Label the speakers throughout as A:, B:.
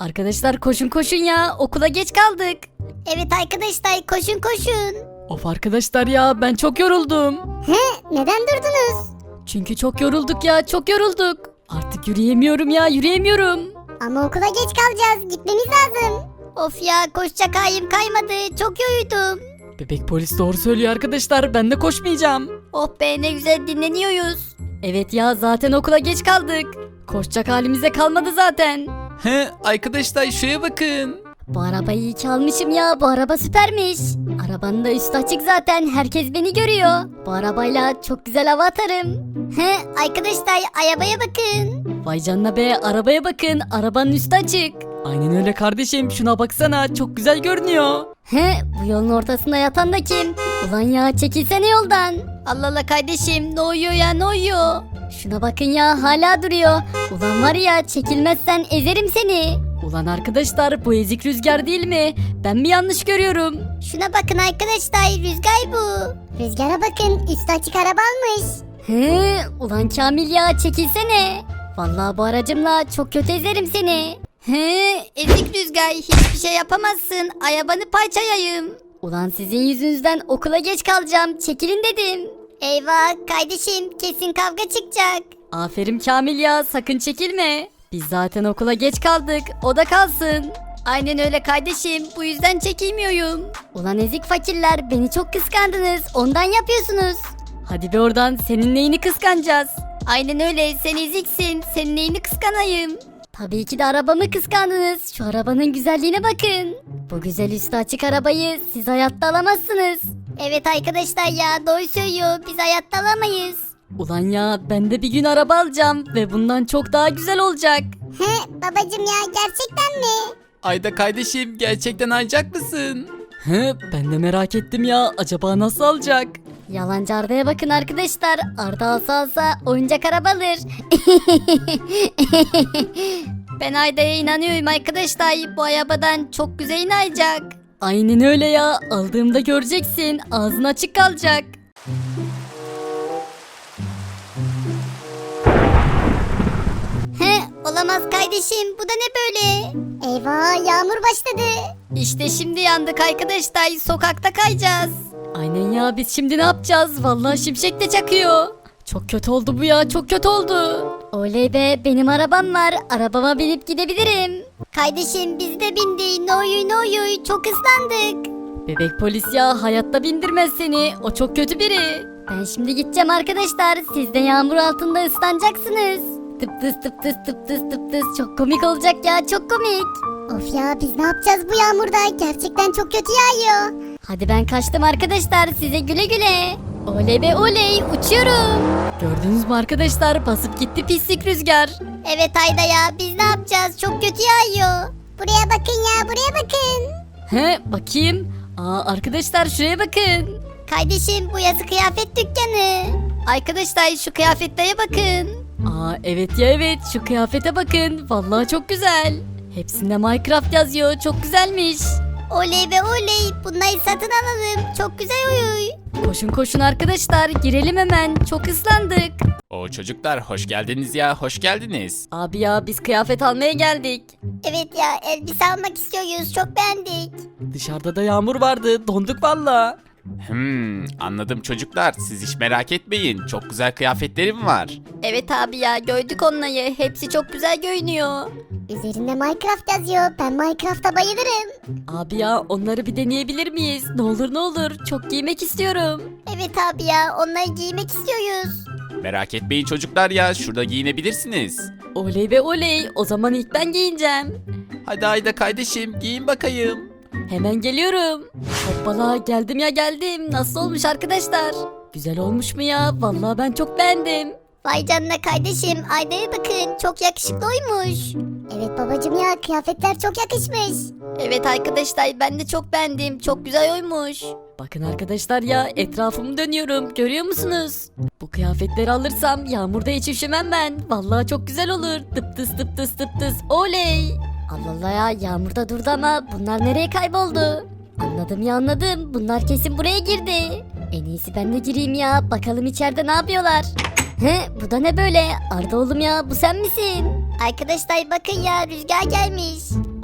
A: Arkadaşlar koşun koşun ya, okula geç kaldık.
B: Evet arkadaşlar koşun koşun.
A: Of arkadaşlar ya, ben çok yoruldum.
B: Neden durdunuz?
A: Çünkü çok yorulduk ya, çok yorulduk. Artık yürüyemiyorum ya, yürüyemiyorum.
B: Ama okula geç kalacağız. Gitmemiz lazım. Of ya koşacak halim kaymadı. Çok yoruldum.
A: Bebek polis doğru söylüyor arkadaşlar, ben de koşmayacağım.
B: Oh be ne güzel dinleniyoruz.
A: Evet ya, zaten okula geç kaldık. Koşacak halimize kalmadı zaten.
C: He arkadaşlar şuraya bakın.
B: Bu arabayı iyi ki almışım ya. Bu araba süpermiş. Arabanın da üstü açık zaten. Herkes beni görüyor. Bu arabayla çok güzel hava atarım. Arkadaşlar arabaya bakın.
A: Vay canına be, arabaya bakın, arabanın üstü açık. Aynen öyle kardeşim, şuna baksana, çok güzel görünüyor.
B: Bu yolun ortasında yatan da kim? Ulan ya çekilsene yoldan. Allah Allah kardeşim ne oluyor ya ne oluyor? Şuna bakın ya hala duruyor. Ulan var ya çekilmezsen ezerim seni.
A: Ulan arkadaşlar, bu ezik Rüzgar değil mi? Ben mi yanlış görüyorum?
B: Şuna bakın arkadaşlar rüzgar bu. Rüzgara bakın üstü açık araba almış. Ulan Kamil ya çekilsene. Vallahi bu aracımla çok kötü ezerim seni. Ezik Rüzgar hiçbir şey yapamazsın. Arabanı parçalayayım. Ulan sizin yüzünüzden okula geç kalacağım. Çekilin dedim. Eyvah kardeşim kesin kavga çıkacak.
A: Aferin Kamil ya, sakın çekilme. Biz zaten okula geç kaldık, o da kalsın.
B: Aynen öyle kardeşim bu yüzden çekilmiyorum. Ulan ezik fakirler beni çok kıskandınız ondan yapıyorsunuz.
A: Hadi be oradan, senin neyini kıskanacağız?
B: Aynen öyle sen eziksin senin neyini kıskanayım. Tabii ki de arabamı kıskandınız. Şu arabanın güzelliğine bakın. Bu güzel üstü açık arabayı siz hayatta alamazsınız. Evet arkadaşlar ya doğru söylüyor biz hayatta alamayız.
A: Ulan ya, ben de bir gün araba alacağım ve bundan çok daha güzel olacak.
B: Babacım ya gerçekten mi?
C: Ayda kardeşim gerçekten alacak mısın?
A: Ben de merak ettim ya, acaba nasıl alacak?
B: Yalancı Arda'ya bakın arkadaşlar. Arda alsa oyuncak araba alır. Ben Arda'ya inanıyorum arkadaşlar. Bu arabadan çok güzel inayacak.
A: Aynen öyle ya, aldığımda göreceksin, ağzın açık kalacak.
B: Olamaz kardeşim bu da ne böyle? Eyvah yağmur başladı. İşte şimdi yandık arkadaşlar sokakta kayacağız.
A: Aynen ya, biz şimdi ne yapacağız? Vallahi şimşek de çakıyor. Çok kötü oldu bu ya, çok kötü oldu.
B: Oley be benim arabam var arabama binip gidebilirim. Kardeşim biz de bindik ne oluyor çok ıslandık.
A: Bebek polis ya, hayatta bindirmez seni, o çok kötü biri.
B: Ben şimdi gideceğim arkadaşlar siz de yağmur altında ıslanacaksınız. Tıp tıs tıp tıs tıp tıs tıp tıs çok komik olacak ya çok komik. Of ya biz ne yapacağız bu yağmurda gerçekten çok kötü yağıyor. Hadi ben kaçtım arkadaşlar size güle güle. Oley be oley uçuyorum.
A: Gördünüz mü arkadaşlar, basıp gitti pislik Rüzgar.
B: Evet Ayda ya biz ne yapacağız çok kötü yağıyor. Buraya bakın ya buraya bakın.
A: Bakayım. Arkadaşlar şuraya bakın.
B: Kardeşim bu yazı kıyafet dükkanı. Arkadaşlar şu kıyafetlere bakın.
A: Evet ya, evet, şu kıyafete bakın, vallahi çok güzel. Hepsinde Minecraft yazıyor, çok güzelmiş.
B: Oley be oley bunları satın alalım çok güzel uyuy.
A: Koşun koşun arkadaşlar, girelim hemen, çok ıslandık.
C: O çocuklar hoş geldiniz ya hoş geldiniz.
A: Abi ya, biz kıyafet almaya geldik.
B: Evet ya elbise almak istiyoruz çok beğendik.
A: Dışarıda da yağmur vardı, donduk valla.
C: Anladım çocuklar siz hiç merak etmeyin çok güzel kıyafetlerim var.
B: Evet abi ya gördük onları hepsi çok güzel görünüyor. Üzerinde Minecraft yazıyor ben Minecraft'a bayılırım.
A: Abi ya, onları bir deneyebilir miyiz? Ne olur ne olur, çok giymek istiyorum.
B: Evet abi ya onları giymek istiyoruz.
C: Merak etmeyin çocuklar ya şurada giyinebilirsiniz.
A: Oley be oley, o zaman ilk ben giyineceğim.
C: Hadi Ayda kardeşim giyin bakayım.
A: Hemen geliyorum. Hoppala, geldim ya geldim. Nasıl olmuş arkadaşlar? Güzel olmuş mu ya? Vallahi ben çok beğendim.
B: Vay canına kardeşim Ayda'ya bakın çok yakışıklı oymuş. Evet babacım ya kıyafetler çok yakışmış. Evet arkadaşlar ben de çok beğendim çok güzel oymuş.
A: Bakın arkadaşlar ya, etrafımı dönüyorum, görüyor musunuz? Bu kıyafetleri alırsam yağmurda hiç üşümem ben. Vallahi çok güzel olur. Tıp tıs tıp tıs tıp tıs, oley.
B: Allah Allah ya yağmurda durdu ama bunlar nereye kayboldu? Anladım ya anladım bunlar kesin buraya girdi. En iyisi ben de gireyim ya bakalım içeride ne yapıyorlar. Bu da ne böyle? Arda oğlum ya bu sen misin? Arkadaşlar bakın ya rüzgar gelmiş.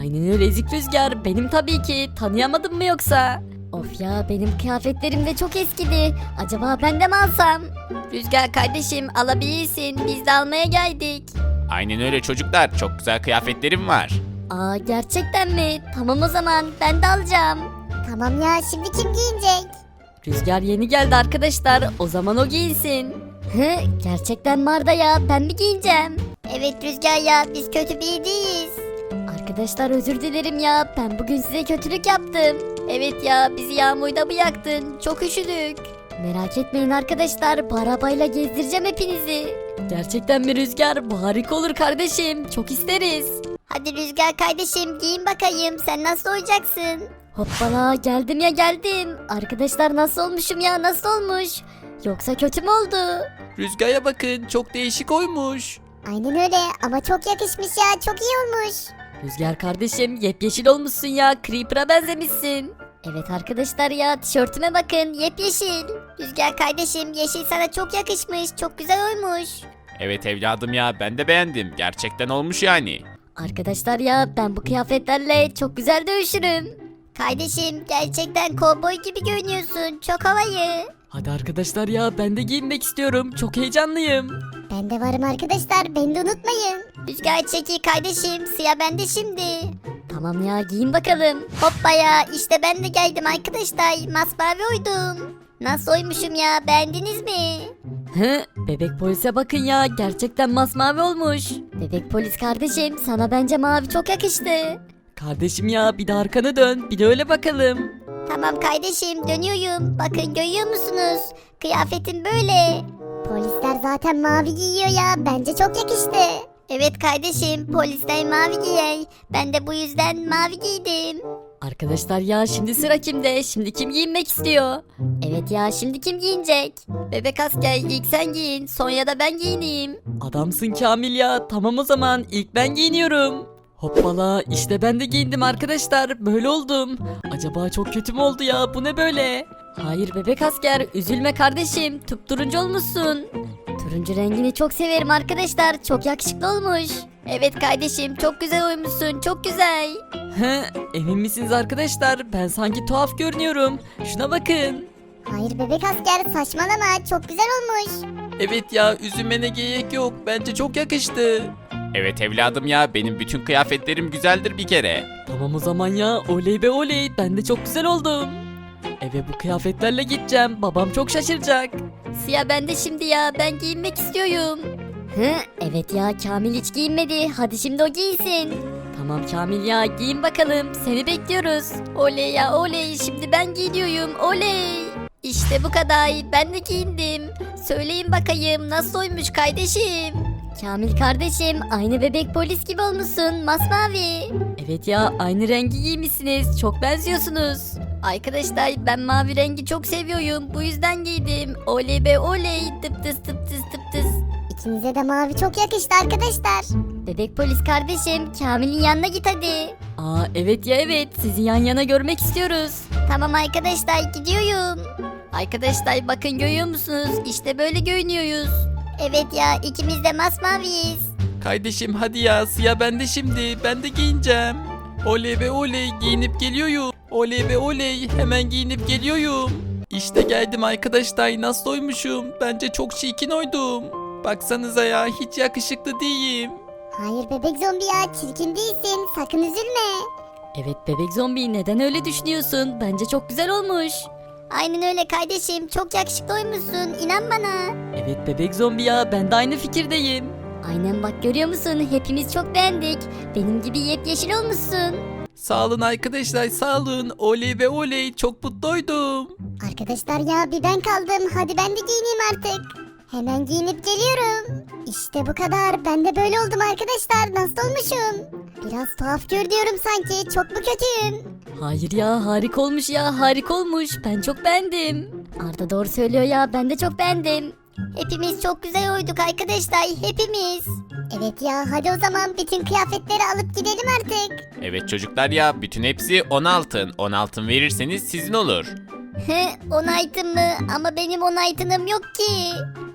A: Aynen öyle ezik Rüzgar. Benim tabii ki. Tanıyamadın mı yoksa?
B: Of ya, benim kıyafetlerim de çok eskidi. Acaba ben de mi alsam?
A: Rüzgar kardeşim alabilirsin. Biz de almaya geldik.
C: Aynen öyle çocuklar. Çok güzel kıyafetlerim var.
B: Aa, gerçekten mi? Tamam o zaman, ben de alacağım. Tamam ya, şimdi kim giyinecek?
A: Rüzgar yeni geldi arkadaşlar. O zaman o giyinsin.
B: Hı, gerçekten mi Arda ya? Ben mi giyineceğim? Evet Rüzgar ya, biz kötü biri değiliz. Arkadaşlar özür dilerim ya, ben bugün size kötülük yaptım.
A: Evet ya bizi yağmurda mı yaktın? Çok üşüdük.
B: Merak etmeyin arkadaşlar, bu arabayla gezdireceğim hepinizi.
A: Gerçekten mi Rüzgar? Bu harika olur kardeşim. Çok isteriz.
B: Hadi Rüzgar kardeşim, giyin bakayım, sen nasıl olacaksın? Hoppala, geldim ya geldim. Arkadaşlar nasıl olmuşum ya, nasıl olmuş? Yoksa kötü mü oldu?
C: Rüzgar'a bakın çok değişik oymuş.
B: Aynen öyle ama çok yakışmış ya, çok iyi olmuş.
A: Rüzgar kardeşim yepyeşil olmuşsun ya. Creeper'a benzemişsin.
B: Evet arkadaşlar ya, tişörtüme bakın, yepyeşil. Rüzgar kardeşim, yeşil sana çok yakışmış, çok güzel olmuş.
C: Evet evladım ya ben de beğendim. Gerçekten olmuş yani.
B: Arkadaşlar ya, ben bu kıyafetlerle çok güzel dövüşürüm. Kardeşim, gerçekten kovboy gibi görünüyorsun, çok havayı.
A: Hadi arkadaşlar ya ben de giyinmek istiyorum. Çok heyecanlıyım.
B: Ben de varım arkadaşlar, beni de unutmayın. Rüzgar çekil kardeşim, sıra bende şimdi. Tamam ya, giyin bakalım. Hoppa ya, işte ben de geldim arkadaşlar, masmavi oydum. Nasıl oymuşum ya, beğendiniz mi?
A: He, bebek polise bakın ya. Gerçekten masmavi olmuş.
B: Bebek polis kardeşim, sana bence mavi çok yakıştı.
A: Kardeşim ya bir de arkanı dön. Bir de öyle bakalım.
B: Tamam kardeşim, dönüyorum. Bakın görüyor musunuz? Kıyafetim böyle. Polisler zaten mavi giyiyor ya. Bence çok yakıştı. Evet kardeşim, polisler mavi giyer. Ben de bu yüzden mavi giydim.
A: Arkadaşlar ya şimdi sıra kimde? Şimdi kim giyinmek istiyor?
B: Evet ya, şimdi kim giyinecek?
A: Bebek asker ilk sen giyin. Sonra da ben giyineyim. Adamsın Kamil ya. Tamam o zaman ilk ben giyiniyorum. Hoppala işte ben de giyindim arkadaşlar. Böyle oldum. Acaba çok kötü mü oldu ya? Bu ne böyle? Hayır bebek asker üzülme kardeşim. Turuncu olmuşsun.
B: Turuncu rengini çok severim arkadaşlar. Çok yakışıklı olmuş.
A: Evet kardeşim çok güzel oymuşsun. Çok güzel. He, emin misiniz arkadaşlar? Ben sanki tuhaf görünüyorum. Şuna bakın.
B: Hayır bebek asker, saçmalama. Çok güzel olmuş.
C: Evet ya üzülmene gerek yok. Bence çok yakıştı. Evet evladım ya benim bütün kıyafetlerim güzeldir bir kere.
A: Tamam o zaman ya oley be oley ben de çok güzel oldum. Eve bu kıyafetlerle gideceğim babam çok şaşıracak. Siyah ben de şimdi ya ben giyinmek istiyorum.
B: Hı, evet ya, Kamil hiç giyinmedi. Hadi şimdi o giysin.
A: Tamam Kamil ya giyin bakalım seni bekliyoruz. Oley ya oley şimdi ben giyiniyorum oley. İşte bu kadar ben de giyindim. Söyleyin bakayım nasıl oymuş kardeşim.
B: Kamil kardeşim, aynı bebek polis gibi olmuşsun, masmavi.
A: Evet ya aynı rengi giymişsiniz çok benziyorsunuz. Arkadaşlar ben mavi rengi çok seviyorum bu yüzden giydim. Oley be oley tıp tıs tıp tıs tıp tıs.
B: İkinize de mavi çok yakıştı arkadaşlar. Bebek polis kardeşim, Kamil'in yanına git hadi.
A: Aa evet ya evet sizi yan yana görmek istiyoruz.
B: Tamam arkadaşlar, gidiyorum.
A: Arkadaşlar bakın görüyor musunuz işte böyle görünüyoruz.
B: Evet ya, ikimiz de masmaviyiz.
C: Kardeşim hadi ya siyah bende şimdi. Ben de giyineceğim. Oley be oley giyinip geliyorum. Oley be oley hemen giyinip geliyorum. İşte geldim arkadaşlar nasıl oymuşum. Bence çok çirkin oydum. Baksanıza ya hiç yakışıklı değilim.
B: Hayır bebek zombi ya, çirkin değilsin, sakın üzülme.
A: Evet bebek zombi neden öyle düşünüyorsun? Bence çok güzel olmuş.
B: Aynen öyle kardeşim, çok yakışıklı oymuşsun, inan bana.
A: Evet bebek zombi ya ben de aynı fikirdeyim.
B: Aynen bak, görüyor musun, hepimiz çok beğendik. Benim gibi yepyeşil olmuşsun.
C: Sağ olun arkadaşlar sağ olun. Oley ve oley çok mutluydum.
B: Arkadaşlar ya, bir ben kaldım, hadi ben de giyineyim artık. Hemen giyinip geliyorum. İşte bu kadar, ben de böyle oldum arkadaşlar, nasıl olmuşum? Biraz tuhaf görünüyorum sanki, çok mu kötüyüm?
A: Hayır ya harika olmuş ya harika olmuş. Ben çok beğendim.
B: Arda doğru söylüyor ya, ben de çok beğendim. Hepimiz çok güzel oyduk arkadaşlar, hepimiz. Evet ya, hadi o zaman bütün kıyafetleri alıp gidelim artık.
C: Evet çocuklar ya bütün hepsi 10 altın. 10 altın verirseniz sizin olur.
B: He, 10 altın mı? Ama benim 10 altınım yok ki.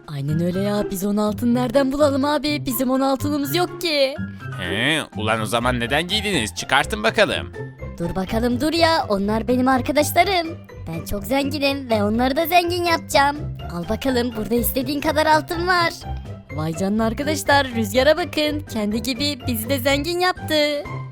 A: Aynen öyle ya, biz 10 altın nereden bulalım abi, bizim 10 altınımız yok ki.
D: He, ulan o zaman neden giydiniz? Çıkartın bakalım.
B: Dur bakalım dur ya, onlar benim arkadaşlarım. Ben çok zenginim ve onları da zengin yapacağım. Al bakalım, burada istediğin kadar altın var.
A: Vay canına arkadaşlar, Rüzgar'a bakın, kendi gibi bizi de zengin yaptı.